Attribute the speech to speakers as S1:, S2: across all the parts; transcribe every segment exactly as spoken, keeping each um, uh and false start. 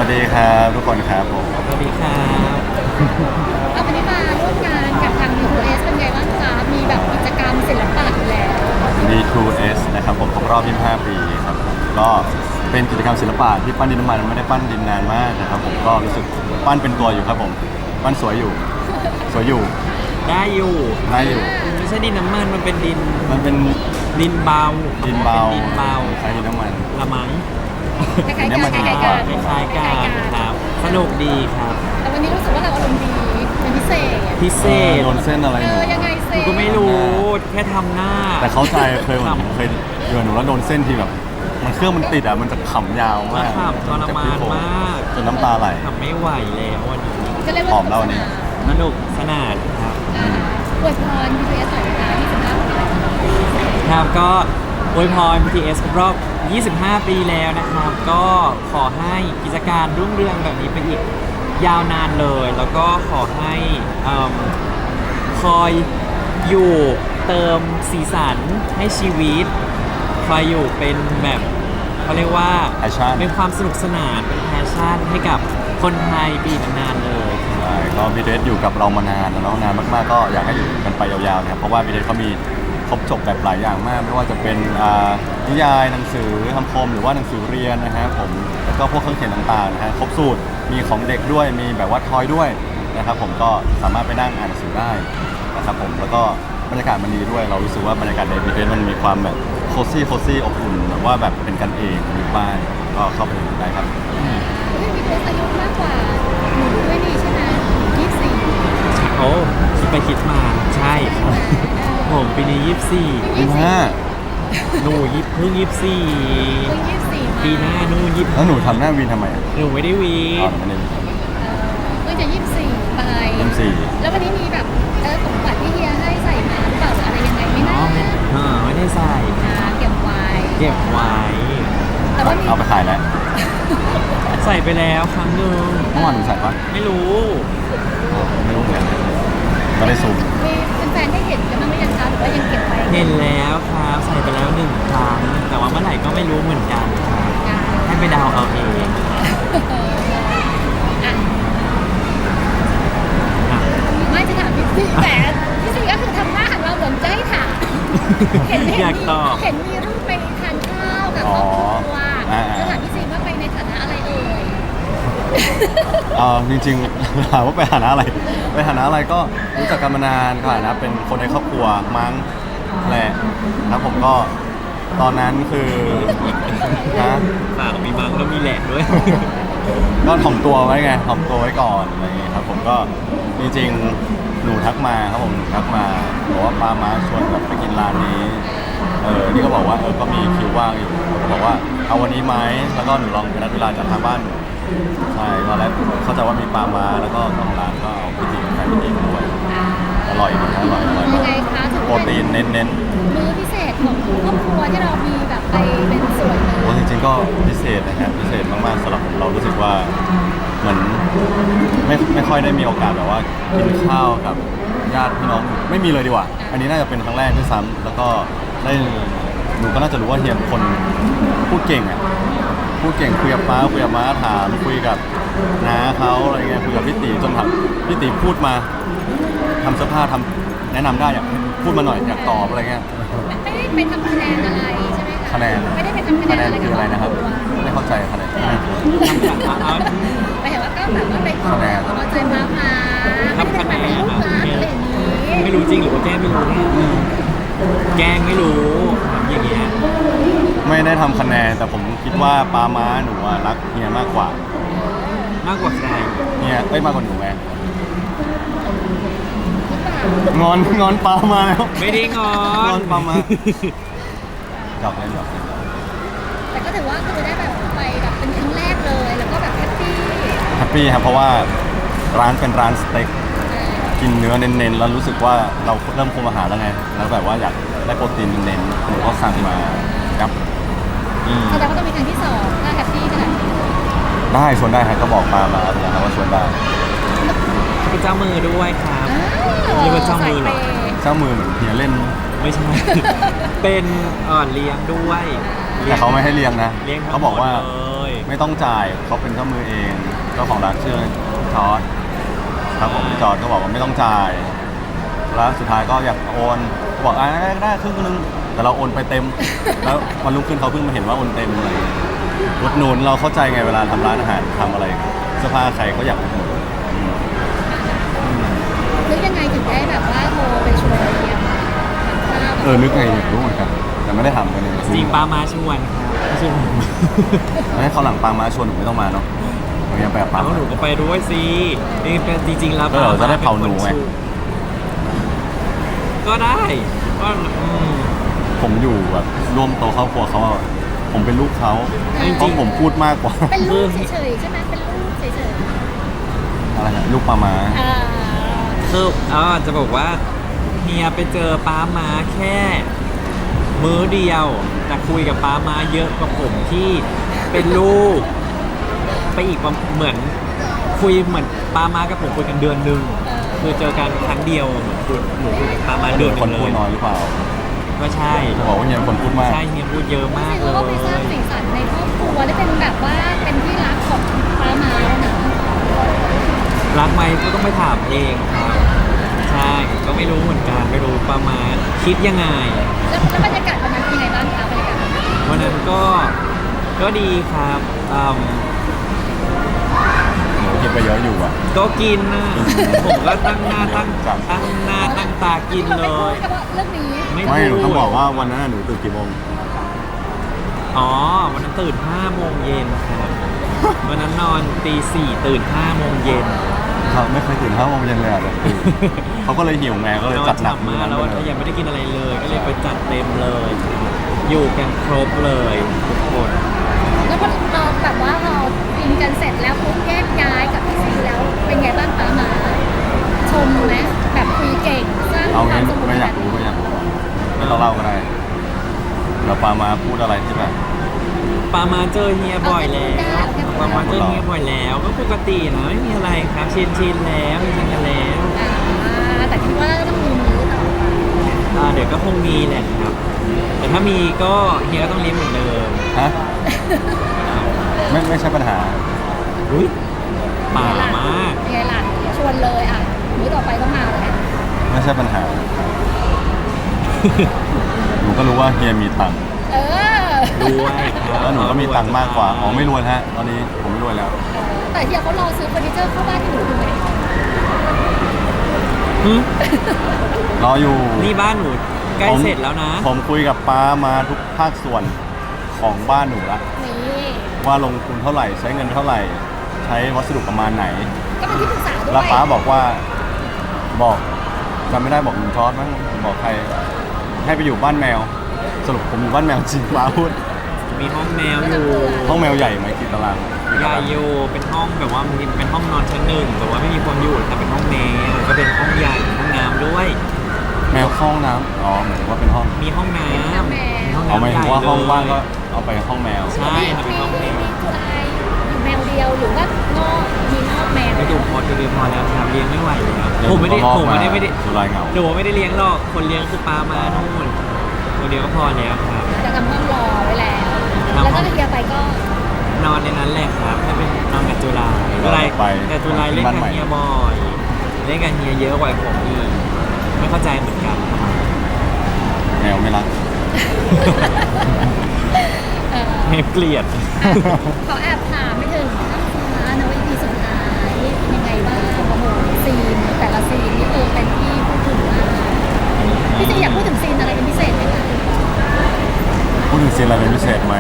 S1: วัสดีครับทุกคนครับผม
S2: สวัสดีครับ
S3: เอาวันนี้มาร่วมงานกับทาง ยู ทู เอส เป็นไงบ้างคะมีแบบกิจกรรมศิลปะอยู่แล้ว
S1: ดี ทู เอส นะครับผมครบรอบ ยี่สิบห้า ปีครับผมก็เป็นกิจกรรมศิลปะที่ปั้นดินน้ำมันไม่ได้ปั้นดินนานมากนะครับผมก็รู้สึกปั้นเป็นตัวอยู่ครับผมปั้นสวยอยู่สวยอยู่
S2: ได้อยู่
S1: ได้อยู่
S2: ไม่ใช่ดินน้ำมันมันเป็นดิน
S1: มันเป็น
S2: ดินเบา
S1: ดินเบา
S2: ป็ดินเบา
S1: ใช้ดินน้ำมัน
S2: ละมัง
S3: คล้ายๆ
S1: เนี่ย
S3: กั
S1: มัน น
S3: คล้ายๆ
S2: ค
S3: กั
S2: ล้
S3: น
S2: ายๆกันครับ สนุกดีครับ
S3: แต่วันนี้รู้สึกว่าเราอารมณ์ดีเป็นพิเศษ
S2: พิเศษ
S1: โดนเส้นอะไร
S3: เอ
S1: หนู
S3: อยังไงเซ
S2: ก็ไม่รู้แค่ทำหน้า
S1: แต่เข้าใจเคยเหมือน
S2: ขำ
S1: เคยเดือนหนูแล้วโดนเส้นที่แบบ มันเครื่องมันติดอ่ะมันจะขำยาวมาก
S2: ขำทรมานมาก
S1: จนน้ำตาไหล
S2: ทำไม่ไหวแล้ววันนี้
S3: ก็เรียกว่า
S1: หอมเล่านี่
S2: สนุกสนานครับ
S3: อ่าอวยพร ยู ทู เอส หน่อยนะคะที่สิบห้าปี
S2: ครับก็อวยพร บี ที เอส ครบรอบ ยี่สิบห้า ปีแล้วนะครับ ก็ขอให้กิจการรุ่งเรืองแบบนี้ไปอีกยาวนานเลย แล้วก็ขอให้เอิ่มคอยอยู่เติมสีสันให้ชีวิต คอยอยู่เป็นแบบเขาเรียกว่า
S1: Passion
S2: เป็นความสนุกสนานเป็นแพชชั่นให้กับคนไทยปีนานๆเลย
S1: ใช่ก็บีเดสอยู่กับเรามานานแล้วเนาะนานมากๆก็อยากให้อยู่กันไปยาวๆนะครับเพราะว่าบีเดสเขามีครบจบแบบหลายอย่างมาก ไม่ว่าจะเป็นอ่านิยายหนังสือคำคมหรือว่าหนังสือเรียนนะฮะผมแล้วก็พวกเครื่องเขียนต่างๆนะฮะครบสูตรมีของเด็กด้วยมีแบบว่าทอยด้วยนะครับผมก็สามารถไปนั่งอ่านหนังสือได้นะครับผมแล้วก็บรรยากาศมันดีด้วยเรารู้สึกว่าบรรยากาศในบีเดสมันมีความแบบโคซี่โคซี่อบอุ่นแบบว่าแบบเป็นกันเองอยู่บ้านก็เข้าไปดูได้ครับ
S3: เฮ้ย ยู ทู เอส อายุมากกว่าหนูด้วยนี่ใช่ไหมยี่สิบสี่
S2: โอ้คิดไปคิดมาใช่ครับผมปีนี้ยี่สิบสี่
S1: ยี่สิบห้า
S2: หนูยิบเพิ่งยี่สิบสี่
S3: เพิ่งยี่สิบสี่มา
S2: ปีหน้าหนูยิบ
S1: แล้วหนูทำหน้าวีนทำไมอ่ะ
S2: หนูไม่ได้วี
S1: อ๋อหนูไม่ได้วีน
S3: เออเพิ่งจะยี่สิบสี่ไป
S1: ยี่สิบสี่
S3: แล้ววันนี้มีแบบเออของขวัญที่เฮียให้ใส่มาหรือเปล่าหรืออะไรยังไงไม่
S2: อ๋
S3: น่า
S2: อไม่เออไม่ได้ใส่
S3: อ่าเก็บไว้
S2: เก็บไว้
S3: แต่ว่ามี
S1: เอาไปขายแล้ว
S2: ใส่ไปแล้วครั้งหนึ่ง
S1: เมื่อวานหนูใส่ปะ
S2: ไม่รู้
S1: ไม่รู้เหมือนกันไม่ได้ซูม
S3: มีแฟนๆได้เห็นกันบ้างหรือยังคะหรือว่ายังเก็บไว้
S2: เห็นแล้วครับใส่ไปแล้วหนึ่งครั้งแต่ว่าเมื่อไหร่ก็ไม่รู้เหมือนกันครับ
S3: อ่า
S2: ให้ไปเดาเอาเอง
S3: อ่ะ
S2: อ่ะ
S3: ไม่จะถามพี่ซีแต่พี่ซีก็คือทำหน้าหันเราเหมือนจะให้ถามเห็นเห็น
S2: อยาก
S3: มี
S2: ตอบ
S3: เห็นมีรูปไปทานข้าวกับครอบครัวจะถามพี่ซีว่าไปในฐานะอะไรเอ่ย
S1: เออจริงๆ ถามว่าไปฐานะอะไร ไปฐานะอะไรก็รู้จักกันมานานค่ะนะเป็นคนในครอบครัวมั้งแหละแล้วผมก็ตอนนั้นคือฮะ
S2: ปากมีมังแล้วมีแหลกด้วย
S1: ก็ถ่อมตัวไว้ไงถ่อมตัวไว้ก่อนอะไรอย่างเงี้ยครับผมก็จริงๆหนูทักมาครับผมหนูทักมาบอกว่าปามาชวนแบบไปกินร้านนี้เออนี่ก็บอกว่าเออก็มีคิวว่างอยู่บอกว่าเอาวันนี้ไหมแล้วก็หนูลองไปนัดเวลาจากทางบ้านหนูใช่ตอนแรกเข้าใจว่ามีปลามาแล้วก็ทางร้านก็เอาพิธีแฟนพิธีมาด้วยอร่อยดีอร่อยอร่อย
S3: ยังไงคะถึง
S1: โปรตีนเน้นเน้น
S3: มื้อพิเศษของครอบครัวที่เรามีแบบไปเป็นส่วนหนึ่ง
S1: โอ้จริงๆก็พิเศษนะครับพิเศษมากๆสำหรับผมเรารู้สึกว่าเหมือนไม่ไม่ค่อยได้มีโอกาสแบบว่ากินข้าวกับญาติพี่น้องไม่มีเลยดีกว่า อันนี้น่าจะเป็นครั้งแรกด้วยซ้ำแล้วก็ได้หนูก็น่าจะรู้ว่าเฮียเป็นคนพูดเก่งอ่ะพูดเก่งคุยกับป้าคุยกับม้าถามคุยกับน้าเขาอะไรเงี้ยคุยกับพี่ตีจนแบบพี่ตีพูดมาทำเสื้อผ้าทำแนะนำได้อยากพูดมาหน่อยอยากตอบอะไรเงี้ย
S3: ไม่ได้ไปทำคะแนนอะไรใช่ไหมคะ
S1: คะแนน
S3: ไม่ได้ไปทำคะ
S1: คะ
S3: แน
S1: แน
S3: น
S1: น
S3: อะไร
S1: คืออะไรนะครับ ไม่เข้าใจคะแนน
S2: ทำจากอาร์ต
S3: ไปเห็นว่าก็แบบว่าไปขอ
S1: คะแนน
S3: เอาใจมามา
S2: ทำคะแนน
S3: ไม่ได้ไปเป็นลูกหลานอะไรอย่างนี้
S2: ไม่รู้จริงหรือว่าแกล้งไม่รู้เนี่ยแกล้งไม่รู้อย่างเงี้ย
S1: ไม่ได้ทำคะแนนแต่ผมคิดว่าปาม้าหนูอะรักเฮียมากกว่าม
S2: ากกว่าใคร
S1: เฮียเอ้ยมากกว่าหนูไงงอนงอนปามาแล้ว
S2: ไม่ได้งอง
S1: อน นปามาหยอกเล่นหยอกเล่น
S3: แต่ก็ถือว่าคือได้แบบไปแบบเป็นครั้งแรกเลย แล้วก็แบบแฮปปี้
S1: แฮปปี้ครับเพราะว่าร้านเป็นร้านสเต็กกินเนื้อเน้นๆแล้วรู้สึกว่าเราเริ่มคุมอาหารแล้วไงแล้วแบบว่าอยากได้โปรตีนเน้นๆผมก็สั่งมาครับอืม
S3: แสดงว่าต้องมีครั้งที่สองถ้าแฮปปี้ขนาดนี้
S1: ได้ชวนได้ครับก็บอกปามาแล้วนะครับว่าชวนได้
S2: เป็นเจ้ามือด้วยครับ
S3: อ้าว
S2: เรียกว่าเจ้ามือเหรอ
S3: สยปย์
S1: เจ้ามือเหมือนเฮียเล่น
S2: ไม่ใช่ เป็นอ่อนเลี้ยงด้วย
S1: แต่เขาไม่ให้เลี้ยงนะ
S2: เลี้ยงทั้ง
S1: เขาบอกว่า
S2: หมดเลย
S1: ไม่ไม่ต้องจ่ายเขาเป็นเจ้ามือเองเจ้าของร้านชื่อจอร์ดครับผมจอร์ดก็บอกว่าไม่ต้องจ่ายแล้วสุดท้ายก็อยากโอนบอกอ่าได้ได้ครึ่งนึงแต่เราโอนไปเต็ม แล้ววันรุ่งขึ้นเขาเพิ่งมาเห็นว่าโอนเต็มอะไรอย่างเงี้ยอุดหนุนเราเข้าใจไงเวลาทำร้านอาหารทำอะไรเสื้อผ้าใครก็อยากอุดหนุนอืม
S3: นึกยังไงถึงได้แบบว่าโทรไปชวนเรียน
S1: เออนึกไงอยากรู้เหมือนกันแต่ไม่ได้ทำกันเลย
S2: จริงปามาชวนครับไม่ใช่ผม
S1: ให้เขาวหลังปางมาชวนหนูไม่ต้องมาเนาะหนูยังไปกับปาง
S2: เอาหนูก็ไปด้วยสินี่เป็นจริงๆแล้ว
S1: ก็เดี๋ยวจะได้เผาหนูไง
S2: ก็ได้ก็อืม
S1: ผมอยู่แบบร่วมโตะครอบครัวเขาอะผมเป็นลูกเขา
S2: จริงๆ
S1: เพราะผมพูดมากกว่า
S3: เป็นลูกเฉยๆใช่ไหมเป็นลูกเฉย
S1: อะไรนะลูกปลามา
S3: ๆอ่า
S2: คืออ๋อจะบอกว่าเฮียไปเจอป้าม้าแค่ มื้อเดียวแต่คุยกับป้าม้าเยอะกว่าผมที่เป็นลูก ไปอีกประเหมือนคุยเหมือนป้าม้ากับผมคุยกันเดือนหนึ่งคือเจอกันครั้งเดียวเหมือนคุยหนูคุยกับป้าม้าเดือนห
S1: ค
S2: นึ่
S1: น
S2: งเล
S1: พูด
S2: ย
S1: น้อยหรือเปล่า
S2: ก็ใช่
S1: จะบอกว่าเฮียเป็นคนพูดมาก
S2: ใช่เฮียพูดเยอะมาก
S3: ถื
S2: เล
S3: อว่าไปสร้าง
S2: ย
S3: สีสันในครอบครัวได้เป็นแบบว่าเป็นที่รักของป้ามาแล้วนะ
S2: รักไหมก็ต้องไปถามเองครับใช่ก็ไม่รู้เหมือนกันไม่รู้ป้าม้าคิดยังไง
S3: แล้วแล้วบรรยากาศวันนั้นเป็นยังไงบ้างคะบรรยากาศวันนั้น
S2: วันนั้นก็ก็ดีครับอืม
S1: หนูกินไปเยอะอยู่อ่ะ
S2: ก็กินนะผมก็ตั้งหน้าตั้ง
S1: ครับ
S2: ตั้งหน้าตั้งตากินเล
S3: ไม่พูด
S2: ย
S3: เฉพาะเรื่องนี้
S2: ไม่
S1: ไม่หนู
S2: พูด
S1: ต้องบอกว่าวันนั้นนะหนูตื่นกี่โมง
S2: อ๋อวันนั้นตื่นห้าโมงเย็นครับวันนั้นนอนตีสี่ตื่นห้าโมงเย็น
S1: เขาไม่เคยตื่นห้าโมงเย็นเลยอ่ะแบบตื่นเขาก็เลยหิวไงก็เลย
S2: นอ
S1: จั
S2: น
S1: ดหนัก
S2: ฉ่ำ
S1: มื้อ
S2: มาก
S1: นั้น
S2: แล้ว
S1: ไปเลย
S2: ยังไม่ได้กินอะไรเลย ก็เลยไปจัดเต็มเลย อยู่กันครบเลยทุกคน
S3: แล้วพอเราแบบว่าเรากินกันเสร็จแล้วปุ๊บแยกย้ายกับพี่ซีแล้วเป็นไงบ้างป้ามาชมไหมแบบคุยเก่งสร้างค
S1: เอางี้
S3: วามสมบูร
S1: ไม่
S3: ณ์
S1: อยากรู้ไม่อยากรู้ไม่ต้องเล่าก็ได้เราปามาพูดอะไรที่แบบ
S2: ปามาเจอเฮียบ่อยแล้วปามาเจอเฮียบ่อยแล้ว ก็ปกตินะไม่มีอะไรครับชินชินๆแล้วชินกันแล้ว
S3: อ่าแต่คิดว่าต้องมีมื้อต่อไป
S2: อ่าเดี๋ยวก็คงมีแหละครับ แต่ถ้ามีก็เฮียก็ต้องเลี้ยงเหมือนเดิม
S1: ฮะไม่ไม่ใช่ปัญหา
S2: อุ้ยป่ามาก
S3: ยังไงล่ะชวนเลยอ่ะมื้อต่อไปต้องมาแล้ว
S1: ไม่ใช่ปัญหา หนูก็รู้ว่าเฮียมีตังค์
S3: เออ
S2: ด้วยครับ
S1: แล้วหนูก็มีตังค์มากกว่า อ๋อไม่รวยฮะ ตอนนี้ผมไม่รวยแล้ว
S3: แต่เฮียเขารอซื้อเฟอร์นิเจอร์เข้าบ้านที่หนูถูกไหม
S2: หึ
S1: รออยู่
S2: นี่บ้านหนูใกล้
S1: ผม
S2: เสร็จแล้วนะ
S1: ผมคุยกับป้ามาทุกภาคส่วนของบ้านหนูละ
S3: นี่
S1: ว่าลงทุนเท่าไหร่ ใช้เงินเท่าไหร่ ใช้วัสดุประมาณไหน
S3: ก็เป็นที่ปรึกษาด้วย
S1: แล้วป้าบอกว่า บอกจำไม่ได้บอกลุงทอดมั้งบอกใคร ให้ไปอยู่บ้านแมว สรุปผมอยู่บ้านแมวจริงป้าพูด
S2: มีห้องแมวอยู่
S1: ห้องแมวใหญ่ไหมกี่ตารางกี่
S2: ให
S1: ตา
S2: ญ่
S1: ราง
S2: อยู่เป็นห้องแบบว่ามีเป็นห้องนอนชั้นหนึ่งแต่ว่าไม่มีคนอยู่แต่เป็นห้องแมวก็เป็นห้องใหญ่ห้องน้ำด้วย
S1: แมวเข้าห้องน้ำอ๋อหมายถึงว่าเป็นห้อง
S2: มีห้องน้ำมีห้อง
S1: เอาหมาย
S2: น้ำให
S1: ถึ
S2: ญ่
S1: งว่าห้อง
S2: เลย
S1: ว่างก็เอาไปห้องแมว
S2: ใช่ครับเป็นห้องแมว
S3: มีจุฬาอยู่แมวเดียวหรือว่านอกมีนอกแมว
S2: ไม่ดูพอจะดูพอแล้วครับเลี้ยงไม่ไหวแล้ว
S1: เดี๋ยว
S2: ผมไม่ได้
S1: รอบ
S2: ผมไม่ได้
S1: มา
S2: ไม่ได้
S1: จุฬาเหงา
S2: หนูไม่ได้เลี้ยงหรอกคนเลี้ยงคือปลามานู่นตัวเดียวก็พอแล้วครับ
S3: จะทำห้องรอไว้แล้ว
S2: ทำห้
S3: แล้ว
S2: อง
S3: ก็เฮียไปก็
S2: นอนในนั้นแหละครับถ้าเป็นนอนกับจุฬาจุฬาแต่จุฬาเล่นกับเฮียบ่อยเล่นกับเฮียเยอะกว่าผมอีกไม่เข้าใจเหมือนกัน
S1: แมวไม่รัก
S3: เออ
S2: ไม่เกลียด
S3: ขอแอบถามไปถึงข้างฟ้านะว่า อี พี สุดท้ายเป็นยังไงบ้างโอ้โหซีนแต่ละซีนนี่คือเป็นที่พูดถึงมากพี่ซีอยากพูดถึงซีนอะไรเป็นพิเศษไหมคะ
S1: พูดถึงซีนอะไรเป็นพิเศษไหม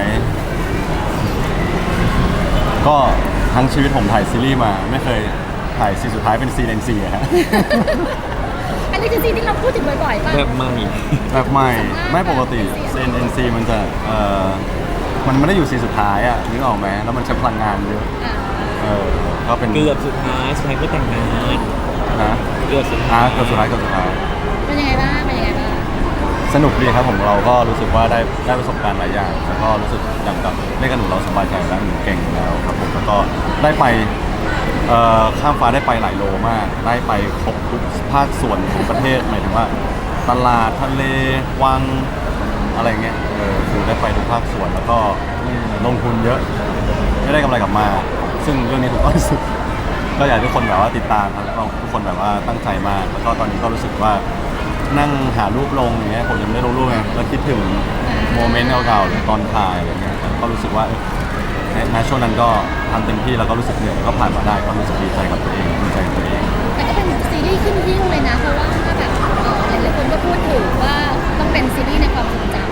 S1: ก็ทั้งชีวิตผมถ่ายซีรีส์มา ไม่เคยถ่ายซีนสุดท้ายเป็นซีนเอ็นซีอะฮะ
S3: อันนี้คือซีนที่เราพูดถึงบ่อยๆป่ะ
S2: แบบใหม่
S1: แบบใหม่ไม่ปกติซีนเอ็นซีมันจะเอ่อมันไม่ได้อยู่ซีนสุดท้ายอะนึกออกไหมแล้วมันใช้พลังงานเยอะ
S3: อ่า
S1: เออก็เป็น
S2: เกือบสุดท้ายสุดท้ายก็แต่งงาน
S1: นะ
S2: เกือบสุด
S1: อ่ะ
S2: ท้าย
S1: เกือบสุดท้ายเกือบสุดท้าย
S3: เป็นยังไงบ้างเป็นยังไงบ้าง
S1: สนุกดีครับผมเราก็รู้สึกว่าได้ได้ประสบการณ์หลายอย่างแล้วก็รู้สึกอย่างกับเล่นกับหนูเราสบายใจแล้วหนูเก่งแล้วครับผมแล้วก็ได้ไปเอ่อข้ามฟ้าได้ไปหลายโลมาก ได้ไปครบทุกภาคส่วนของประเทศหมายถึงว่า ตลาดทะเลวังอะไรเงี้ยเออคือได้ไปทุกภาคส่วนแล้วก็ลงทุนเยอะไม่ได้กำไรกลับมา ซึ่งเรื่องนี้ผมก็รู้สึกก็อยากให้ทุกคนแบบว่าติดตามครับแล้วก็ทุกคนแบบว่าตั้งใจมากแล้วก็ตอนนี้ก็รู้สึกว่านั่งหารูปลงอย่างเงี้ยผมยังไม่ได้ลงรูปไงแล้วคิดถึงโมเมนต์เก่าๆหรือตอนถ่ายอะไรเงี้ยก็รู้สึกว่าเออในในช่วงนั้นก็ทำเต็มที่แล้วก็รู้สึกเหนื่อยก็ผ่านมาได้ก็รู้สึกดีใจกับตัวเองดีใจกับตัวเอง
S3: แต่ก็เป็นซีรีส์ขึ้นหิ้งเลยนะเพราะว่าแบบเออหลายๆคนก็พูดถึงว่าต้องเป็นซีรีส์ในความทรงจำ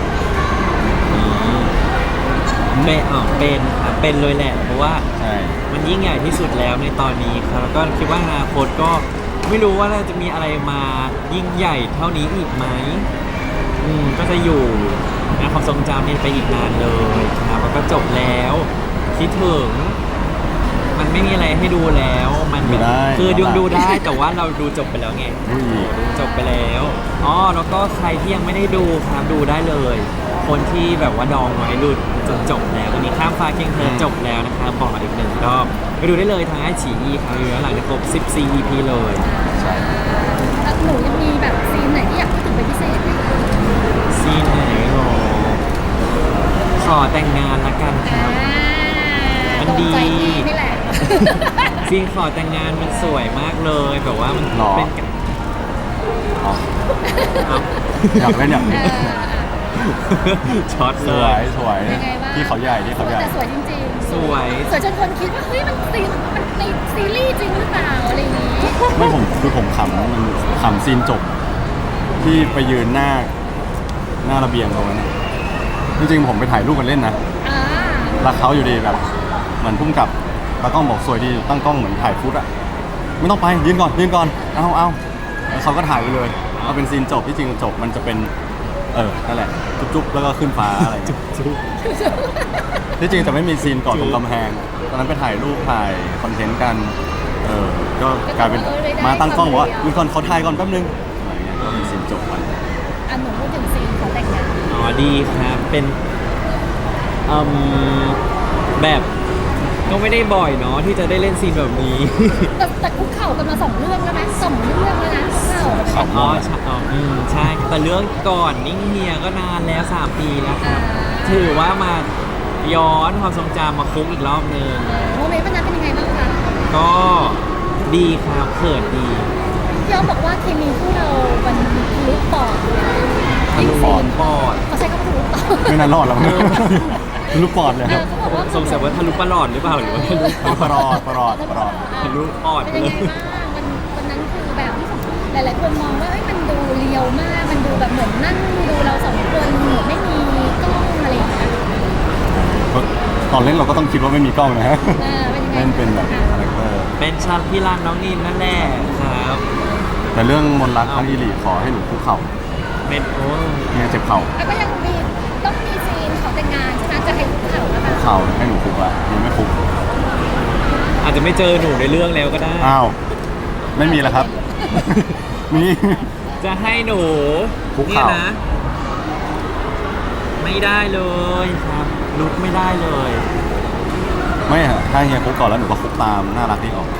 S2: เป็นอ๋อเป็นครับเป็นเลยแหละเพราะว่า
S1: ใช่
S2: มันยิ่งใหญ่ที่สุดแล้วในตอนนี้ครับแล้วก็คิดว่าอนาคตก็ไม่รู้ว่าเราจะมีอะไรมายิ่งใหญ่เท่านี้อีกไหมอืมก็จะอยู่ในความทรงจำนี้ไปอีกนานเลยครับแล้วก็จบแล้วคิดถึงมันไม่มีอะไรให้ดูแล้วมันแบบคือดูดูได้แต่ว่าเราดูจบไปแล้วไง
S1: อุ้ย
S2: ดูจบไปแล้วอ๋อแล้วก็ใครที่ยังไม่ได้ดูครับดูได้เลย คนที่แบบว่าดองไว้ดูจนจบแล้ววันนี้ข้ามฟ้าเคียงเธอจบแล้วนะครับบอกอีกหนึ่งรอบไปดูได้เลยทางไอฉีอีครับอยู่แล้วหลังจะครบสิบสี่ อี พี เลย
S1: ใช่
S3: แล้วหนูยังมีแบบซีนไหนที่อยากพูดถึงเป็นพิเศษไหมคะ
S2: ซีนไหนหรอขอแต่งงานละกันค
S3: อ่า
S2: รับ มัน
S3: ตรง
S2: ดี
S3: ใจพี่นี่แหละ
S2: ซีนขอแต่งงานมันสวยมากเลยแบบว่ามันเป็นกัน
S1: อ๋อ
S2: เอา
S1: อยากเล่นอยาก
S3: เอ
S1: เล่น
S3: ออ่ะ
S2: ช็อต
S1: ส
S2: เล
S1: วย ยสวย
S3: ยังไงบ้าง
S1: ที่เขาใหญ่ที่เขาใหญ่
S3: แต่สวยจริงๆ
S2: สวย
S3: สวยจนคนคิดว่าเฮ้ยมันซีนมันในซีรีส์จริงหรือเปล่าอะไรอย่างงี้
S1: ไม่ผมคือผมขำมันขำซีนจบ ที่ไปยืนหน้าหน้าระเบียงตรงนั้นน่ะจริงๆผมไปถ่ายรูปกันเล่นนะ
S3: อ่า
S1: แล้วเขาอยู่ดีแบบเหมือนพุ่มกับตากล้องบอกสวยดีตั้งกล้องเหมือนถ่ายฟุตอะไม่ต้องไปยืนก่อนยืนก่อนเอาเอาแล้วเขาก็ถ่ายไปเลยเอาเป็นซีนจบที่จริงจบมันจะเป็นเออนั่นแหละจุ๊บๆแล้วก็ขึ้นฟ้าอะไรอย่างเงี้ย
S2: จุ๊บ
S1: ที่จริงจะไม่มีซีนก่อนตรงกำแพงตอนนั้นไปถ่ายรูปถ่ายคอนเทนต์กันเออก็กลายเป็นมาตั้งกล้องบอกว่ายืนก่อนเขาถ่ายก่อนแป๊บนึงอะไรเงี้ยก็เป็นซีนจบไป
S3: อันหนูพูดถึงซีนของแต่งงาน
S2: อ๋อดีครับเป็นอืมแบบก็ไม่ได้บ่อยเนาะที่จะได้เล่นซีนแบบนี้
S3: แต่แต่คุกเข่ากันมาสองเรื่องแล้วไหมสองเรื่องแล้วนะคุกเข่า
S1: สอง
S2: อ๋อใช่อ๋ออืมใช่แต่เรื่องก่อนนิ่งเฮียก็นานแล้วสามปีแล้วครับ ถือว่ามาย้อนความทรงจำมาคุกอีกรอบนึง
S3: โมเมนต์วันนั้นเป็นยังไงบ้างคะ
S2: ก็ดีครับเขินดี
S3: พี่อ้อมบอกว่าเคมีคู่เรามันทะลุปอดเลย
S2: ทะลุปอดปอด
S3: เขาใช้คำว่าทะลุปอด
S1: ไม่น่ารอดแล้วมั้งลูกปอดเลย
S3: เอ
S1: ครั
S3: อบ เขาบอกว่า
S2: สงสัยว่าทะลุปลอดหรือเปล่าหรือว่าทะลุ
S1: ปลอดปลอดปลอด
S2: ทะลุปอด
S3: เป็น
S2: เล
S3: ยัง
S2: ย
S3: ไงบ้างมันวันนั้นคือแบบหลาย ๆ คนมองว่าเอ้ยมันดูเรียวมาก มันดูแบบเหมือนนั่งดูเราสองคนเหมือนไม่มีกล้องอะไรอย่างเงี้ย
S1: ตอนเล่นเราก็ต้องคิดว่าไม่มีกล้องนะฮะ
S3: เออเป็นยังไง
S1: เล่นเป็นแบบคาแรคเตอร์
S2: เป็นชาลพี่รันน้องนินนั่นแหละครับ
S1: แต่เรื่องมนต์รักทั้งอีหลีขอให้หนูคุกเข่า
S2: เป็นโอ้
S1: เนี่ยเจ็บเข่า
S3: แล้วก็ยังมีต้องมีซีนขอแต่งงานใช่ไหมจะให้คุกเข่าแล้ว
S1: คุ
S3: นะ
S1: กเข่าให้หนูคุกอะยังไม่คุก
S2: อาจจะไม่เจอหนูในเรื่องแล้วก็ได้
S1: อ้าวไม่มีแล้วครับ มี
S2: จะให้หนู
S1: คุก
S2: เนี่ย
S1: เข่า
S2: นะ ไม่ได้เลยครับลุกไม่ได้เลย
S1: ไม่ฮะถ้าเฮียคุกก่อนแล้วหนูก็คุกตามน่ารักดีออก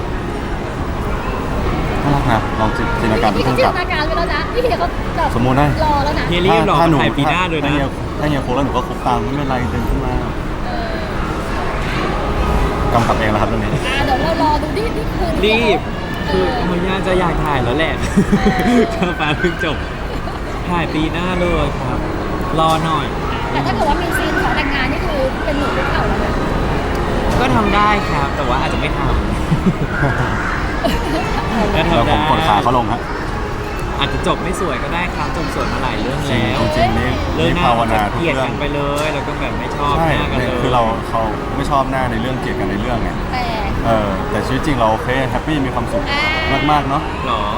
S1: น่ารักนะลองจินตนาการเป็น
S3: พี่
S1: ผู้
S3: จิน
S1: กำกับ
S3: ตนาการไปแล้วนะพี่เฮียเขาแบบ
S1: สมมุตินะ
S3: รอแล้วนะ
S2: เฮียรีบหรอ
S1: ถ้าหนู
S2: ถ่ายปีหน้าเลยนะ
S1: ถ้าเฮียถ้าเฮียคุกแล้วหนูก็คุกตามไม่เป็นไรเดินขึ้นมา
S3: เออก
S1: ำกับเองแล้วครับเรื่องนี้
S3: อ่าเดี๋ยวเรารอดูดินี่คือ
S2: รีบ
S3: เอ
S2: คือ
S3: อ
S2: มันย่าจะอยากถ่ายแล้วแหละข้าฟ้าเพิ่งจบ ถ่ายปีหน้าเลยครับ รอหน่อย
S3: แต่ถ้าเกิดว่ามีซีนขอแต่งงานนี่คือเป็นหนูคุกเข่าแล้วนะ
S2: ก็ทำได้ครับ แต่ว่าอาจจะไม่ทำ ก็
S1: แล้ว
S2: ทำ
S1: ผม
S2: ได้
S1: กดขาเขาลงฮะ
S2: อาจจะจบไม่สวยก็ได้ครับจบสวยมาหลายเรื่องแล้ว
S1: จริงๆนี่
S2: เรื่อง
S1: นี่
S2: หน้า
S1: ภาวนา
S2: จะ
S1: ทุ
S2: เก
S1: ก
S2: ลียด
S1: เรื่อ
S2: กั
S1: ง
S2: นไปเลย แล้วก็แบบไม่ชอบ
S1: ใช่
S2: หน้ากันเลย
S1: คือเราเขาไม่ชอบหน้าในเรื่องเกลียดกันในเรื่องไง
S3: แต่
S1: เออแต่ชีวิตจริงเราโอเคแฮปปี้มีความสุข
S3: อ่าม
S1: มากๆเนาะ
S2: หรอ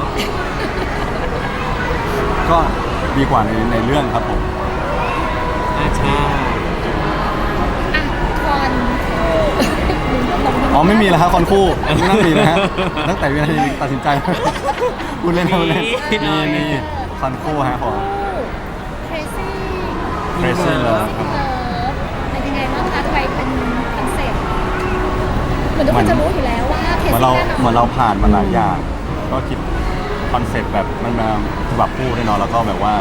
S1: ก็ดีกว่าในในเรื่องครับผม
S2: อ่าใช่
S3: อ่ะคอนคู่
S1: อ๋อไม่มีแล้วครับคอนคู่ไม่น่ามีนะฮะตั้งแต่วินาทีตัดสินใจ พูดเล่นพูดเล่นมีมีคอนคู่ฮะผม
S3: เครซี่
S1: Crazy Love
S3: เลิฟเป็นยังไงบ้างคะทำไมเป็นคอนเซ็ปต์เหมือนทุกคนจะรู้อยู่แล้วว่าเคร
S1: เหมือน
S3: ซี่
S1: เรา
S3: แน่นอน
S1: เหมือนเราผ่านมาหลายอย่าง ก็คิดคอนเซ็ปต์แบบมันมาฉบับคู่แน่นอนแล้วก็แบบว่า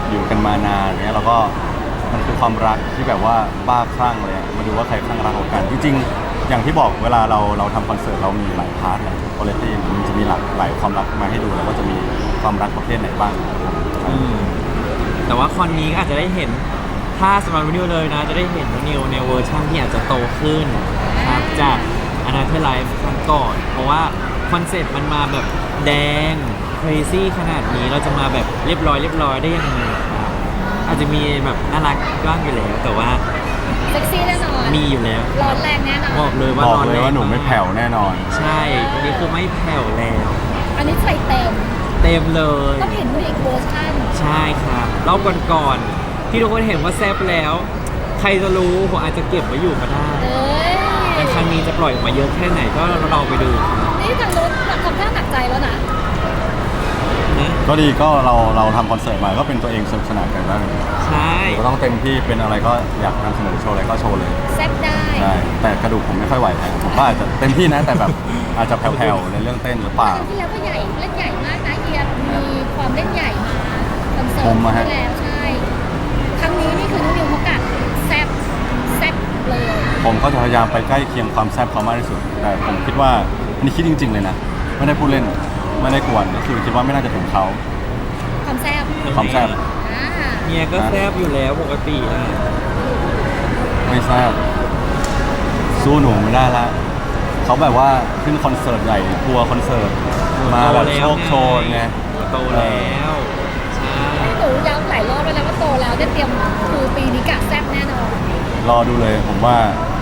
S1: อยู่กันมานานเนี้ยเราก็มันคือความรักที่แบบว่าบ้าคลั่งเลยอะมาดูว่าใครคลั่งรักกว่ากันจริงๆอย่างที่บอกเวลาเราเราทำคอนเสิร์ตเรามีหลายพาร์ทแหละคุณภาพมันจะมีหลากหลายความรักมาให้ดูแล้วก็จะมีความรักประเภทไหนบ้าง
S2: อืมแต่ว่าคอนนี้ก็อาจจะได้เห็นถ้าสำหรับนิวเลยนะ จะได้เห็นนิวในเวอร์ชันที่อาจจะโตขึ้นครับจากอนาเธอร์ไลฟ์ครั้งก่อน เพราะว่าคอนเซ็ปต์มันมาแบบแดง crazy ขนาดนี้เราจะมาแบบเรียบร้อยเรียบร้อยได้ยังไงครับอาจจะมีแบบน่ารักบ้างอยู่แล้ว แต่ว่า
S3: เซ็กซี่แน่นอน
S2: มีอยู่แล้ว
S3: ร้อนแรงแน่นอน
S2: บอกเลยว่า
S1: บอก
S2: นอน
S1: เลย
S2: แรง
S1: ว่าหนูไม่แผ่วแน่นอน
S2: ใช่อันนี้คือไม่แผ่วแล้ว
S3: อันนี้ใส่เต็ม
S2: เต็มเลย
S3: ต้องเห็นอีกเวอร์ชัน
S2: ใช่ครับรอบก่อนๆที่ทุกคนเห็นว่าแซ่บแล้ว ใครจะรู้ผมอาจจะเก็บไว้อยู่ก็ได้
S3: เอ้ย
S2: แต่ครั้งนี้จะปล่อยออกมาเยอะแค่ไหนก็ลองไปดูครับ
S3: นี่ทางรถทำท่าหนักใจแล้วนะ
S2: นะ
S1: ก็ดีก็เราเราทำคอนเสิร์ตมาก็เป็นตัวเองสนุกสนานกันบ้าง
S2: ใช่
S1: ก็ต้องเต็มที่เป็นอะไรก็อยากนำเสนอโชว์อะไรก็โชว์เลย
S3: แซ่บได้
S1: ใช่แต่กระดูกผมไม่ค่อยไหวนะผมก็อาจจะเต็มที่นะแต่แบบอาจจะแผ่วๆในเรื่องเต้นหรือเปล่า
S3: ครั้งที่แล้วก็ใหญ่เล่นใหญ่มากนะเฮียมีความเล่นใหญ่มาคอนเสิร์ต
S1: ผมอะฮะ
S3: ที่แล้วใช่ ครั้งนี้นี่คือน้องนิวเขากัดแซ่บแซ่บเลย
S1: ผมก็จะพยายามไปใกล้เคียงความแซ่บเขามากที่สุดแต่ผมคิดว่าอันนี้คิดจริง ๆเลยนะไม่ได้พูดเล่นไม่ได้กวนก็คือคิดว่าไม่น่าจะถึงเขา
S3: ความแซ่บ
S1: ความแซ่บ
S3: อ่า
S2: เมียก็แซ่บอยู่แล้วปกติอ่ะ
S1: ไม่แซ่บสู้หนูไม่ได้ละเขาแบบว่าขึ้นคอนเสิร์ตใหญ่ทัวร์คอนเสิร์ตมาแบบโชคโชนไง
S2: โตแล้วใช่
S3: หนูย้ำหลายรอบแล้วนะว่าโตแล้วได้เตรียมคือปีนี้กะแซ่บแน่นอน
S1: รอดูเลยผมว่า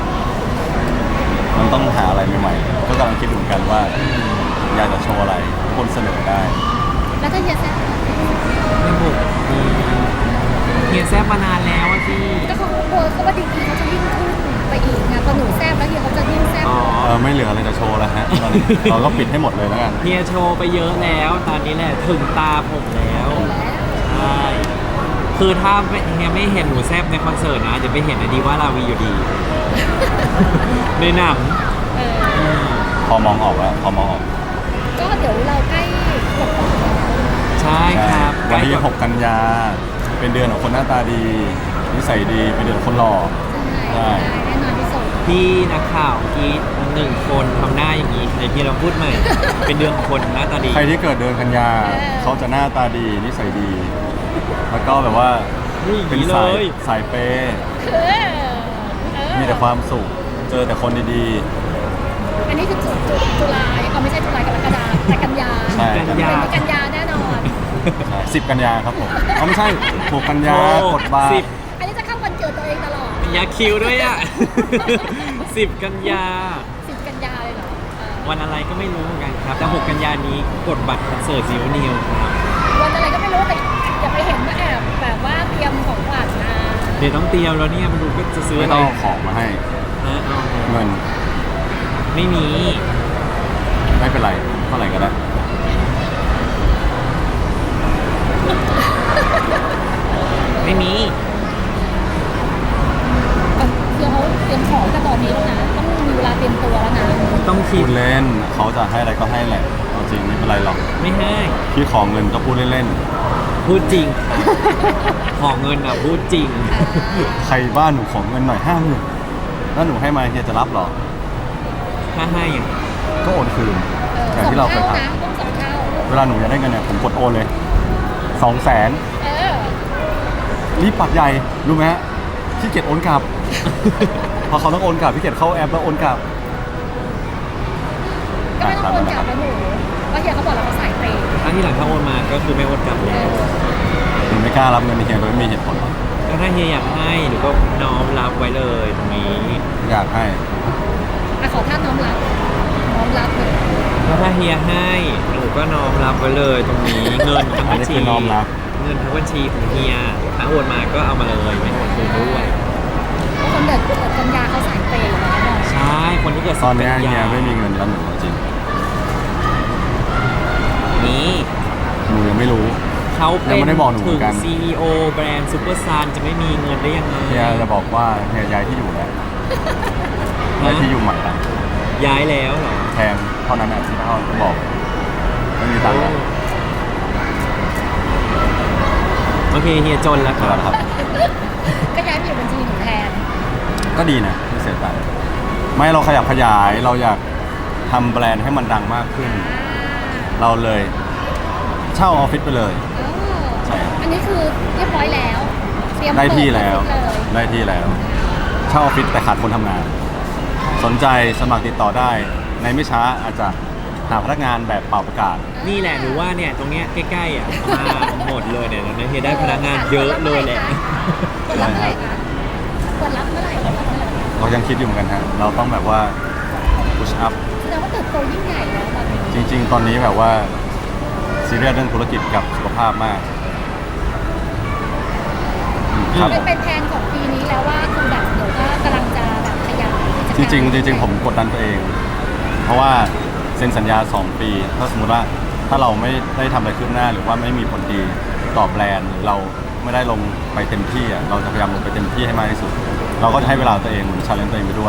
S1: มันต้องหาอะไรใหม่ๆก็กำลังคิดอยู่เหมือนกันว่า อยากจะโชว์อะไรทุกคนเสนอได้
S3: แล้วถ้าเฮียแซ่บ
S2: ไม่บุกเมียแซ่บมานานแล้วอะพี่
S3: ก็เขากลัวเขาว่าดีกีเขาจะยิ่งขึ้นไปอีกไงพอหนูแซ่บแล้วเฮียเขาจะยิ่งแซ่บ
S2: อ๋อ
S1: เออไม่เหลืออะไรจะโชว์แล้วฮะตอนนี้ เราก็ปิดให้หมดเลยแล้วกัน
S2: เฮียโชว์ไปเยอะแล้ว ตอนนี้แหละถึงตาผมแล้ว
S3: แล้ว
S2: ใช่ คือถ้าไม่เฮียไม่เห็นหนูแซบในคอนเสิร์ตนะ จะไปเห็นอดีว่าลาวีอยู่ดี ในหนัง
S3: เออ
S1: พอมองออกแล้วพอมองออก
S3: ก็เดี๋ยวเราใกล้กดแล้ว
S2: ใช่ครับ
S1: วันที่
S2: ใกล้
S1: หกกันยาเป็นเดือนของคนหน้าตาดีนิสัยดีเป็นเดือนของคนหล่อ
S3: ใช่ได้แน่นอนที่สุด
S2: พี่นักข่าวกรีดหนึ่งคนทำหน้าอย่างนี้ในที่เราพูดใหม่ เป็นเดือนของคนหน้าตาดี
S1: ใครที่เกิดเดือนกันยาเขาจะหน้าตาดีนิสัยดี แล้วก็แบบว่า
S2: นี่อย่าง
S1: เป็น
S2: นี้เล
S1: สาย
S2: ย
S1: สายเปย์
S3: เออเออ
S1: มีแต่ความสุขเจอแต่คนดี
S3: อันนี้คือจุดจุดจุลายเอาไม่ใช่จุลายกรกฎาแต่กันยา
S1: ๆใช่
S2: กันยา
S3: เป็นกันยาแน่นอน
S1: สิบกันยาครับผมเขาไม่ใช่หกกันยา
S2: โอ้
S1: กดบาร์
S2: สิบ
S3: อันนี้จะเข้าวันเกิดตัวเองตลอด
S2: ยาคิวด้วยอ่ะ สิบกันยา
S3: สิบกันยาเลยเหรอเออ
S2: วันอะไรก็ไม่รู้เหมือนกันครับ แต่หกกันยานี้กดบัตรคอนเสิร์ตซิวนิวครับ
S3: วันอะไรก็ไม่รู้แต่อย่าไปเห็นว่าแอบแบบว่าเตรียมของขวัญนะ
S2: เดี๋ยวต้องเตรียมแล้วเนี่ยมาดูก็จะซื้อ
S1: ไม่
S2: อะไร
S1: ต้องเอาของมาให้
S2: นะเอา
S1: เงิน
S2: ไม่มี
S1: ไม่เป็นไรเท่าไหร่ก็ได้
S2: ไม่มี
S3: เอาเดี๋ยวเขาเตรียมของกันตอนนี้แล้วนะ ต้องมีเวลาเตรียมตัวแล้วนะ
S2: ต้องคิ
S1: พู
S2: ด
S1: ดเล่นเขาจะให้อะไรก็ให้แหละเอาจริงไม่เป็นไรหรอก
S2: ไม่ให้
S1: พี่ขอเงินก็พูดเล่น
S2: พูดจริง ขอเงินอ่ะพูดจริง
S1: ๆใครบ้านหนูขอเงินหน่อยห้าหมื่นแล้วหนูให้มาเฮียจะรับเหรอ
S2: ถ้าให้อ่ะ
S1: ก็โอนคืน
S3: เออ
S1: อย่าง
S3: สอง
S1: ที่เราเคย
S3: เท่า
S1: ท
S3: นะต้องสองเท่า
S1: ำเวลาหนูอยากได้เงินเนี่ยผมกดโอนเลยสองแสน
S3: เออ
S1: รีบปักใหญ่รู้ไหมฮะขี้เกียจโอนกลับ พอเขาต้องโอนกลับพี่เกียจเข้าแอปแล้วโอนกลับ
S3: ก็ไม่ต้องโอนกลับนะหนูเพราะเฮียเขาบอกเราเขาสายเปย์
S2: ถ้าที่หลังถ้าโอนมาก็คือไม่โอนกลับ
S3: เอ
S2: แล้ว
S3: อ
S1: หนูไม่กล้ารับเงินเฮียโดยไม่มีเหตุผลหรอก
S2: ก็ถ้าเฮียอยากให้หนูก็น้อมรับไว้เลยตรงนี้
S1: อยากให้
S3: อ่ะขอท่านน้อมรับ น้อมรับเลย
S2: แล้วถ้าเฮียให้หนูก็น้อมรับไว้เลยตรงนี้ เงินทั้ง
S1: อัน
S2: บัญ
S1: นี้
S2: ชี
S1: คือน้อมรับ
S2: เงินทั้งบัญชีของเฮียถ้าโอนมาก็เอามาเลยไม่โอนคืนด้วย
S3: เพราะคนเด็กเกิดกันยาเขาสายเปย์อยู่แล้วเนาะ
S2: ใช่คนที่เกิด
S1: ตอนเนี้ย
S2: สิบ
S1: เฮี
S2: กั
S1: ย
S2: น
S1: ไม่มีเงินแล้วหนูจริง
S2: นี่
S1: หนูยังไม่รู้
S2: เขาเป็
S1: ยังไม่
S2: น
S1: ได้บอกหนูเหมื
S2: ถึ
S1: อง นกัน
S2: ซี อี โอ แบรนด์ซูเปอร์ซานจะไม่มีเงินได้ยังไง
S1: เฮียจะบอกว่าเฮียย้ายที่อยู่แล้วย้ายที่อยู่ใหม่ละ
S2: ย้ายแล้วเหรอ
S1: แพงเท่านั้นอ่ะที่เขาบอกไม่มีตังค์แล้ว
S2: มโอเคเฮียจนแล้วค
S1: ค
S2: รั
S1: รั
S2: บบ
S1: ครับ
S3: ก็ย้ายไปอยู่บัญชีหนูแทน
S1: ก็ดีนะไม่เสียตังค์ไม่เราขยับขยายเราอยากทำแบรนด์ให้มันดังมากขึ้น เราเลยเช่าออฟฟิศไปเลย ใช่ครับ
S3: อันนี้คือเรียบร้อยแล้ว เตรียม
S1: ได้ที่แล้ว
S3: เปิดออฟฟิศเลย
S1: ได้ที่แล้ว เช่าออฟฟิศแต่ขาดคนทำงาน สนใจสมัครติดต่อได้ ในไม่ช้าอาจจะหาพนักงานแบบเป่าประกาศ
S2: นี่แหละหนูว่าเนี่ยตรงเนี้ยใกล้ๆอ่ะมาหมดเลยเนี่ยเนี่ยเฮียได้พนักงานเยอะเลยแหละ
S3: เปิดรับเมื่อไหร่คะเปิดรับเมื่อไหร่เปิดรับเมื่อไหร่
S1: เรายังคิดอยู่เหมือนกันฮะเราต้องแบบว่า push up
S3: แสดงว่าเติบโตยิ่งใหญ่แล้วตอนนี้
S1: จริง ๆ ตอนนี้แบบว่าซีเรียสเรื่องธุรกิจกับสุขภาพมากอืมครับ
S3: เป็นเป็นแผนของปีนี้แล้วว่าคือแบบเดี๋ยวก็กำลังจะแบบขยายกิ
S1: จ
S3: จการ
S1: ริงๆจริงๆผมกดดันตัวเอง เพราะว่าเซ็นสัญญา สอง ปี ถ้าสมมติว่าถ้าเราไม่ได้ทำอะไรขึ้นหน้า หรือว่าไม่มีผลดีต่อแบรนด์หรือเราไม่ได้ลงไปเต็มที่อ่ะเราจะพยายามลงไปเต็มที่ให้มากที่สุด เราก็จะให้เวลาตัวเองเหมือนชาเลนจ์ตัวเองไปด้วย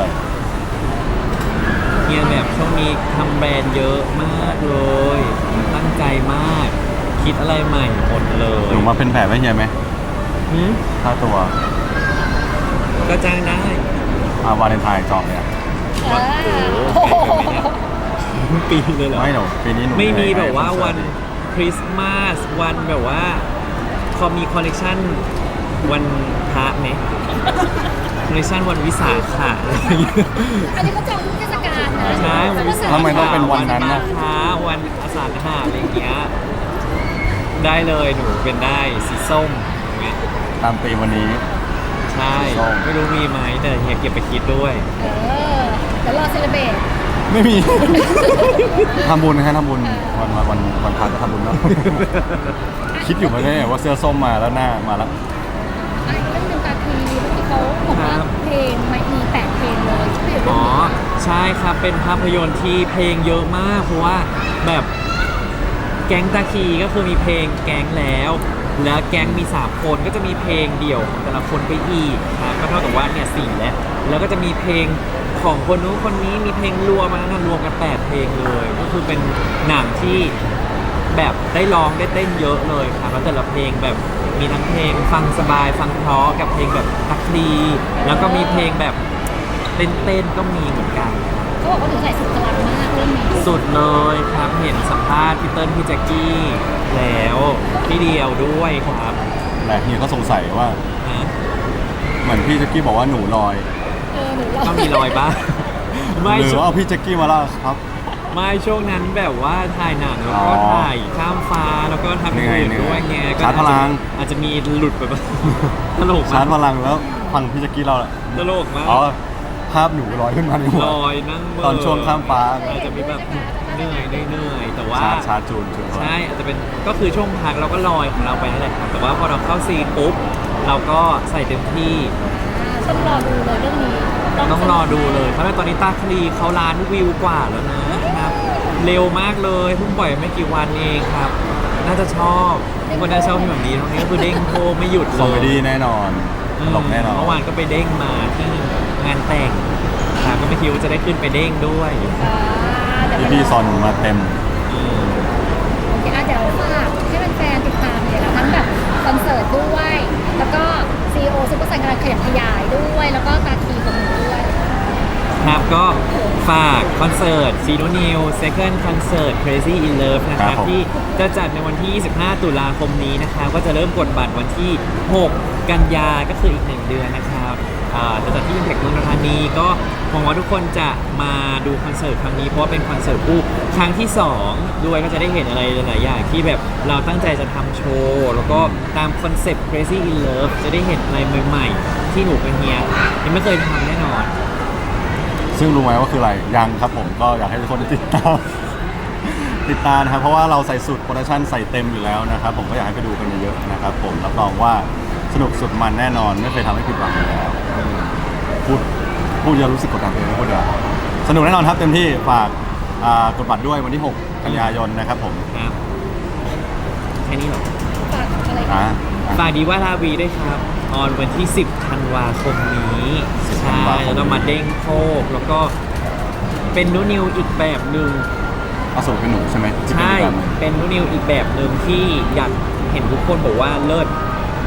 S2: เฮียแบบช่วงนี้ทำแบรนด์เยอะมากเลยตั้งใจมาก คิดอะไรใหม่หมดเลย
S1: หนูมาเป็นแผลไม่เฮียไหม
S2: หืม
S1: ค่าตัว
S2: ก็จ้างได้
S1: อาวาเลนไทน์จองเนี่ย
S3: เออ
S2: โอ้โหปีเลยเหรอ
S1: ไม่หนูปีนี้หนู
S2: ไม่มี
S1: ให้
S2: แบบว่า
S1: คอ
S2: วัน
S1: เสิร์ต
S2: คริสต์มาสวันแบบว่าพอมีคอลเลกชันวันพระไหมคอลเลกชันวันวิสาขะอะไรอย่างเงี้ย
S3: อันนี้เขาจองทุกเทศกาลนะ
S2: ใช่วันวิสาขะ
S1: ทำไมต้องเป็นวันนั้น
S2: มา
S1: นะ
S2: ฆะวันอาสาฬหะอะไรอย่างเงี้ยได้เลยหนูเป็นได้สีส้มอย่างเงี้ย
S1: ตามตีมวันนี้
S2: ใช่
S1: สีส้ม
S2: ไม่รู้มีไหมแต่เฮียเก็บไปคิดด้วย
S3: เออเดี๋ยวรอเซเลเบรต
S1: ไม่มี ทำบุญนะฮะทำบุญวันวันวันวันพักก็ทำบุญเนาะ คิดอยู่มาเนี่ยว่าเสื้อส้มมาแล้วหน้ามาแล้ว
S3: ไอ้เรื่องหนึ่งตาคีเมื่อกี้เขาบอกว่าเพลงไม่มีแปดเพลงเลยช่วยเรื่อง
S2: อ๋อ
S3: นี้
S2: ใช่ครับเป็นภาพยนตร์ที่เพลงเยอะมาก เพราะว่าแบบแก๊งตาคีก็คือมีเพลงแก๊งแล้ว แล้วแก๊งมีสามคนก็จะมีเพลงเดี่ยวของแต่ละคนไปอีกครับก็เท่ากับว่าเนี่ยสี่แล้วแล้วก็จะมีเพลงของคนนู้นคนนี้มีเพลงรวมมานะรวมกันแปดเพลงเลย ก็คือเป็นหนังที่แบบได้ร้องได้เต้นเยอะเลยครับแล้วแต่ละเพลงแบบมีทั้งเพลงฟังสบายฟังเพราะกับเพลงแบบตักดีแล้วก็มีเพลงแบบเต้นๆก็มีเหมือนกัน
S3: เขาบอกว่าหนูใส่สุดพลังมากเรื่องนี้
S2: สุดเลยครับเห็นสัมภาษณ์พี่เติ้ลพี่แจ็คกี้แล้วพี่เดียวด้วยครับ
S1: แต่เฮียก็สงสัยว่า
S2: นะ
S1: เหมือนพี่แจ็คกี้บอกว่าหนูลอย
S3: เออหนูรอ
S2: ก็มีรอยบ้าง ไม่
S1: หรือ
S2: ช่ว
S1: ว่าง เอาพี่แจ็คกี้มาแล้วครับ
S2: ไม่ช่วงนั้นแบบว่าถ่ายหนังแล้วก็
S1: อ๋อ
S2: ถ่ายข้ามฟ้าแล้วก็ทำอย่างอื่น
S1: เหนื่อย
S2: ด้วยไงก็
S1: ชาร์จพลัง
S2: อาจจะมีหลุดแบบ ตลก
S1: ชาร์จพ
S2: มาก
S1: ลังแล้วฟังพี่แจ็คกี้เรา
S2: ตลกมาก
S1: อ๋อภาพหนูลอยขึ้นมาในหัว
S2: ลอยนั่งเบ
S1: ตอนช่วงข้ามฟ้า
S2: อาจจะมีแบบเหนื่อยเหนื่อยแต่ว่า
S1: ชาร์จชาร์จจูนจูน
S2: ใช่อาจจะเป็นก็คือช่วงพักเราก็ลอยของเราไปนั่นแหละครับแต่ว่าพอเราเข้าซีนปุ๊บเราก็ใส่เต็มที่
S3: ต้องรอดูเลยเรื่องนี้
S2: ต้องรอดูเลยเพราะว่าตอนนี้ตาคลีเขาล้านวิวกว่าแล้วนะครับ เร็วมากเลยเพิ่งปล่อยไม่กี่วันเองครับ น่าจะชอบทุกคนน่าจะชอบที่แบบนี้ตรงนี้ก็คือเด้งโพไม่หยุด
S1: คอม
S2: เล
S1: เม
S2: ย
S1: ดี้แน่นอนตลกแน่นอน
S2: เมื่อวานก็ไปเด้งมาที่งานแต่งครับก็ไม่คิดว่าจะได้ขึ้นไปเด้งด้วย
S3: อ่าเดี๋ยว
S1: พี่พี่สอนหนูมาเต็ม
S2: อืม
S3: โอเคอ่ะเดี๋ยวฝากให้แฟนๆติดตามเลยค่ะทั้งแบบคอนเสิร์ตด้วย แล้วก็ซีโอซุปเปอร์ไซน์กำลังขยับขยายด้วย แล้วก็ตาคีของหนูด้วย
S2: ครับก็ฝากคอนเสิร์ตซีโนนิว Second Concert Crazy in Love นะค
S1: ครั
S2: รับบ
S1: ผม
S2: ที่จะจัดในวันที่ ยี่สิบห้า ตุลาคมนี้นะครับก็จะเริ่มกดบัตรวันที่ หก กันยาก็คืออีกหนึ่งเดือนนะครับอ่าจะจัดที่ Impact เมืองทองธานีก็หวังว่าทุกคนจะมาดูคอนเสิร์ตครั้งนี้เพราะว่าเป็นคอนเสิร์ตคู่ครั้งที่สองด้วยก็จะได้เห็นอะไรหลายๆอย่างที่แบบเราตั้งใจจะทำโชว์แล้วก็ตามคอนเซปต์ Crazy in Love จะได้เห็นอะไรใหม่ๆ ที่หนูกับเฮียยังไม่เคยทำแน่นอน
S1: ซึ่งรู้ไหมว่าคืออะไรยังครับผมก็อยากให้ทุกคนติดตาม ติดตามนะครับเพราะว่าเราใส่สุดโปรดักชั่นใส่เต็มอยู่แล้วนะครับผมก็อยากให้ไปดูกันเยอะๆนะครับผมรับรองว่าสนุกสุดมันแน่นอนไม่เคยทำให้ผิดหวังอยู่แล้วพูดพูดจะรู้สึกกดดันตัวเองไม่พูดเดี๋ยวาสนุกแน่นอนครับเต็มที่ฝากอ่ากดบัตรด้วยวันที่ หก กันยายนนะครับผม
S2: ครับแค่นี้เหรอ
S3: ฝากอะไร
S1: อ่า
S2: ฝากดีว่าลาวีด้วยครับ ออนวันที่ สิบ ธันวาคมนี้
S1: สิบธั
S2: ใช่
S1: นวาคม
S2: แล้วเรามาเด้งโคกแล้วก็เป็นนูนิวอีกแบบหนึ่ง
S1: เอาสูตรเป็นหนูใช่ไหมที่เป็น
S2: ใช่
S1: อีกแบบหนึ่ง
S2: เป็นนูนิวอีกแบบหนึ่งที่อยากเห็นทุกคนบอกว่าเลิศ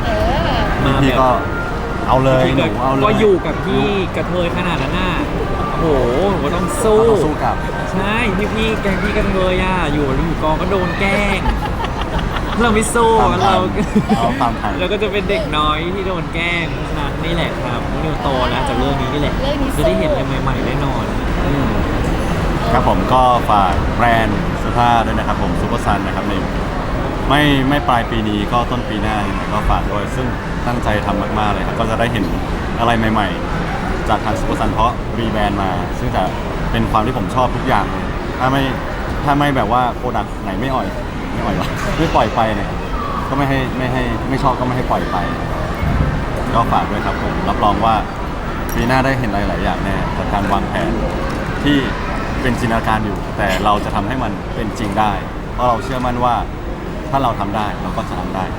S2: มา
S1: พี่
S2: แบบ
S1: ก็เอาเลยหนู
S2: ก็
S1: เอาเลย
S2: ก็อยู่กับพี่กระเทยขนาดนั้นน่ะโอ้โหหนูก็ต้องสู้
S1: เราต้องสู้กับ
S2: ใช่พี่พี่ๆแกงพี่กระเทยอ่ะอยู่อยู่กองก็โดนแกล้งเราไม่สู้
S1: ตามทัน
S2: เรา
S1: เอาตามทัน
S2: เราก็จะเป็นเด็กน้อยที่โดนแกล้งเพราะฉะนั้นนี่แหละครับนิวโตแล้วจากเรื่องนี้นี่แหละ
S3: เรื่องนี้สู้
S2: จะได้เห็นอะไรใหม่ๆแน่นอน
S1: ครับผมก็ฝากแบรนด์เสื้อผ้าด้วยนะครับผมซูเปอร์ซันนะครับในไม่ไม่ปลายปีนี้ก็ต้นปีหน้ายังไงก็ฝากด้วยซึ่งตั้งใจทำมากๆเลยครับก็จะได้เห็นอะไรใหม่ๆ จากทางซูเปอร์ซันเพราะรีแบรนด์มา ซึ่งจะเป็นความที่ผมชอบทุกอย่างเลยถ้าไม่ถ้าไม่แบบว่าโปรดักต์ไหนไม่อ่อยไม่อ่อยวะไม่ปล่อยไปเนี่ยก็ไม่ให้ไม่ให้ไม่ชอบก็ไม่ให้ปล่อยไป ก็ฝากด้วยครับผมรับรองว่าปีหน้าได้เห็นหลายๆอย่างแน่จากการวางแผนที่เป็นจินตนาการอยู่ แต่เราจะทำให้มันเป็นจริงได้ เพราะเราเชื่อมั่นว่าถ้าเราทำได้เราก็จะทำได้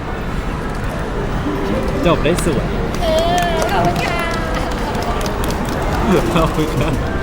S2: จบได้สวย
S3: เออขอบคุณค่ะ
S2: ขอบคุณครับ